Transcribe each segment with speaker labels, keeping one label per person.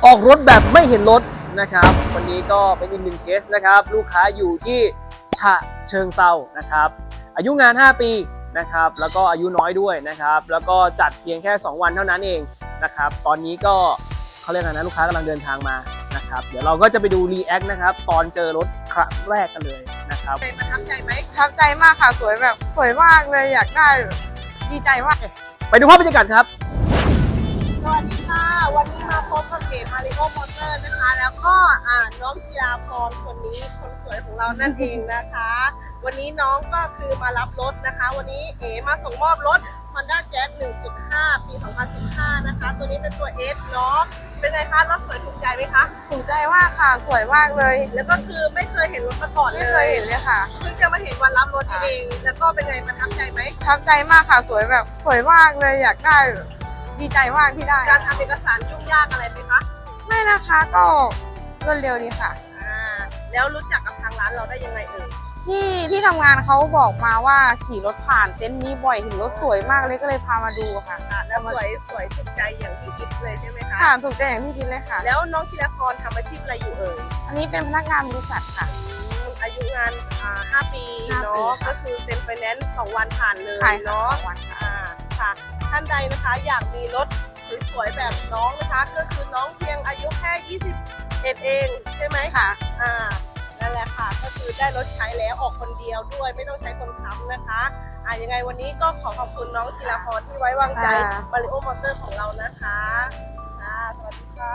Speaker 1: ออกรถแบบไม่เห็นรถนะครับวันนี้ก็เป็นอีกหนึ่งเคสนะครับลูกค้าอยู่ที่ฉะเชิงเทรานะครับอายุงาน 5 ปีนะครับแล้วก็อายุน้อยด้วยนะครับแล้วก็จัดเพียงแค่ 2 วันเท่านั้นเองนะครับตอนนี้ก็เขาเรียกอะไรนะลูกค้ากำลังเดินทางมานะครับเดี๋ยวเราก็จะไปดูรีแอคนะครับตอนเจอรถครั้งแรกกันเลยนะครับ
Speaker 2: ประทับใจไหม
Speaker 3: ประทับใจมากค่ะสวยแบบสวยมากเลยอยากได้ดีใจมาก
Speaker 1: ไปดูภาพบรรยากาศครับ
Speaker 2: สวัสดีค่ะ วันนี้มาพบกับเก๋มาริโอมอเตอร์นะคะ แล้วก็น้องจิราพรคนนี้คนสวยของเรานั่นเองนะคะ วันนี้น้องก็คือมารับรถนะคะ วันนี้เอ๋มาส่งมอบรถ Honda Jazz 1.5 ปี 2015 นะคะ ตัวนี้เป็นตัว S เนาะเป็นไงคะรถสวยถูกใจไหมคะ
Speaker 3: ถูกใจมากค่ะสวยมากเลย
Speaker 2: แล้วก็คือไม่เคยเห็นรถมาก่อน
Speaker 3: ไม่
Speaker 2: เล
Speaker 3: เคย
Speaker 2: ย
Speaker 3: เห็นเลยค่ะ
Speaker 2: เพิ่งจะมาเห็นวันรับรถเอง แล้วก็เป็นไงประทับใจไหม
Speaker 3: ประทับใจมากค่ะสวยแบบสวยมากเลยอยากได้ดีใจมากที่ได้
Speaker 2: การทำเอกสารยุ่งยากอะไรไหมคะ
Speaker 3: ไม่นะคะก็รวดเร็วดีค่ะ
Speaker 2: แล้วรู้จักกับทางร้านเราได้ยังไงเอ่ย
Speaker 3: ที่ทำงานเขาบอกมาว่าขี่รถผ่านเต็นท์นี้บ่อยเห็นรถสวยมากเลยก็เลยพามาดูค่ะ
Speaker 2: แล้วสวยถูกใจอย่างที่คิดเลยใช่ไหมคะ
Speaker 3: ค่ะถูกใจอย่างที่คิดเลยค่ะ
Speaker 2: แล้วน้องธีรพรทำอาชีพอะไรอยู่เอ่ย
Speaker 3: อันนี้เป็นพนักงานบริษัทค่ะ
Speaker 2: อายุงาน5 ปี
Speaker 3: 5
Speaker 2: เนาะ
Speaker 3: ปีค่ะ
Speaker 2: ก็คือเซ็นไฟแนนซ์2 วันผ่านเลย
Speaker 3: ขาย
Speaker 2: เนาะ
Speaker 3: วันค่ะ
Speaker 2: ค่ะ ท่านใดนะคะอยากมีรถสวยๆแบบน้องนะคะ ก็คือน้องเพียงอายุแค่21เองใช่ไหม
Speaker 3: ค่ะ
Speaker 2: นั่นแหละค่ะ ก็คือได้รถใช้แล้วออกคนเดียวด้วยไม่ต้องใช้คนค้ำนะคะยังไงวันนี้ก็ขอขอบคุณน้องธีรพรที่ไว้วางใจ
Speaker 3: ค่ะ
Speaker 2: มาริโอมอเตอร์ของเรานะคะสวัสดีค่ะ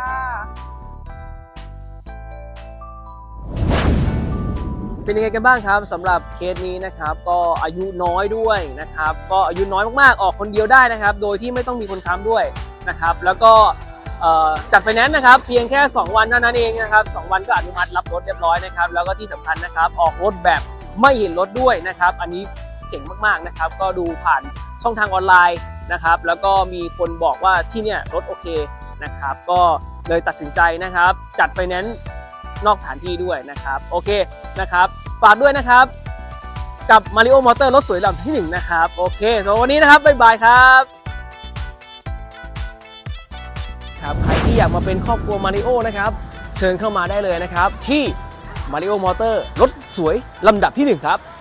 Speaker 1: เป็นยังไงกันบ้างครับสำหรับเคสนี้นะครับก็อายุน้อยด้วยนะครับก็อายุน้อยมากๆออกคนเดียวได้นะครับโดยที่ไม่ต้องมีคนค้ำด้วยนะครับแล้วก็จัดไฟแนนซ์นะครับเพียงแค่ 2 วันเท่านั้นเองนะครับ2 วันก็อนุมัติรับรถเรียบร้อยนะครับแล้วก็ที่สำคัญนะครับออกรถแบบไม่เห็นรถด้วยนะครับอันนี้เก่งมากๆนะครับก็ดูผ่านช่องทางออนไลน์นะครับแล้วก็มีคนบอกว่าที่เนี่ยรถโอเคนะครับก็เลยตัดสินใจนะครับจัดไฟแนนซ์นอกสถานที่ด้วยนะครับโอเคนะครับฝากด้วยนะครับกับ Mario Motor รถสวยลำที่ 1นะครับโอเคสำหรับวันนี้นะครับบ๊ายบายครับใครที่อยากมาเป็นครอบครัว Mario นะครับเชิญเข้ามาได้เลยนะครับที่ Mario Motor รถสวยลำดับที่ 1ครับ